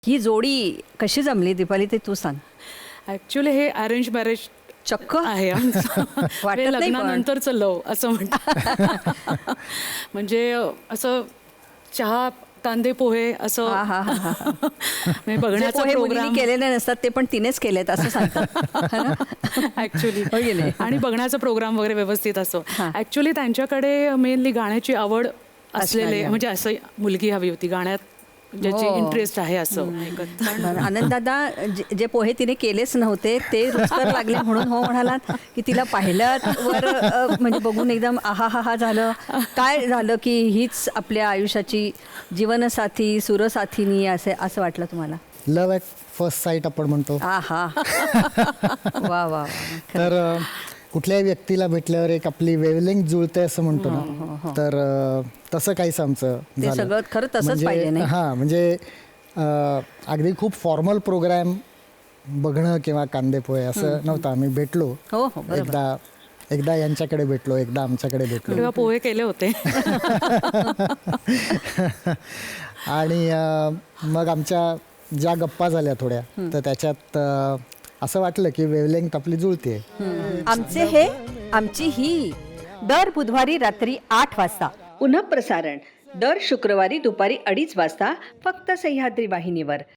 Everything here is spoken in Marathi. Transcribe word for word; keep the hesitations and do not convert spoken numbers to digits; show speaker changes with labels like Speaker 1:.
Speaker 1: ही जोडी कशी जमली दीपाली ते तू सांग.
Speaker 2: ॲक्च्युली हे अरेंज मॅरेज
Speaker 1: चक्क
Speaker 2: आहे आमचं.
Speaker 1: वाटत
Speaker 2: हे
Speaker 1: नाही पण.
Speaker 2: लग्नानंतरचं लव असं म्हणतात. म्हणजे असं चहा कांदे पोहे असं
Speaker 1: हा, हा, हा, हा.
Speaker 2: म्हणजे
Speaker 1: जे
Speaker 2: बघण्याचा
Speaker 1: पोहे मुलींनी
Speaker 2: प्रोग्राम
Speaker 1: केलेले नसतात ते पण तिनेच केलेत असं सांगतात.
Speaker 2: ऍक्च्युली
Speaker 1: हो की नाही?
Speaker 2: आणि बघण्याचा प्रोग्राम वगैरे व्यवस्थित असो.
Speaker 1: हा.
Speaker 2: ऍक्च्युली त्यांच्याकडे मेनली गाण्याची आवड
Speaker 1: असणारी
Speaker 2: असलेले
Speaker 1: आहे.
Speaker 2: म्हणजे असं मुलगी हवी होती गाण्यात ज्याची
Speaker 1: हो.
Speaker 2: इंटरेस्ट आहे असं.
Speaker 1: बरं, आनंददादा जे- जे पोहे तिने केलेच नव्हते ते रुचकर लागले म्हणून हो म्हणालात की तिला पाहिल्यावर अ, म्हणजे बघून एकदम आहा हा हा झालं. काय झालं की हीच आपल्या आयुष्याची जीवनसाथी सुरसाथीनी असे असं वाटलं तुम्हाला?
Speaker 3: लव्ह ॲट फर्स्ट साईट आपण म्हणतो.
Speaker 1: आहा वा वा वा.
Speaker 3: तर अ, कुठल्याही व्यक्तीला भेटल्यावर एक आपली वेवलेंग जुळते असं म्हणतो ना, तर अ, तसं काहीच आमचं
Speaker 1: ते
Speaker 3: झालं.
Speaker 1: सगळं खरं तसंच पाहिजे नाही?
Speaker 3: हां, म्हणजे अ, अगदी खूप फॉर्मल प्रोग्राम बघणं किंवा कांदेपोहे असं नव्हतं. आम्ही भेटलो
Speaker 1: हो हो बरोबर.
Speaker 3: एकदा एकदा यांच्याकडे भेटलो, एकदा आमच्याकडे भेटलो
Speaker 2: तेव्हा पोहे केले होते.
Speaker 3: आणि अ, मग आमच्या ज्या गप्पा झाल्या थोड्या, तर त्याच्यात अ, असं वाटलं की वेवलेंग्थ आपली जुळते.
Speaker 1: आमचे हे आमची ही दर बुधवारी रात्री आठ वाजता पुनः प्रसारण दर शुक्रवारी दुपारी अडीच वाजता फक्त सह्याद्री वाहिनीवर.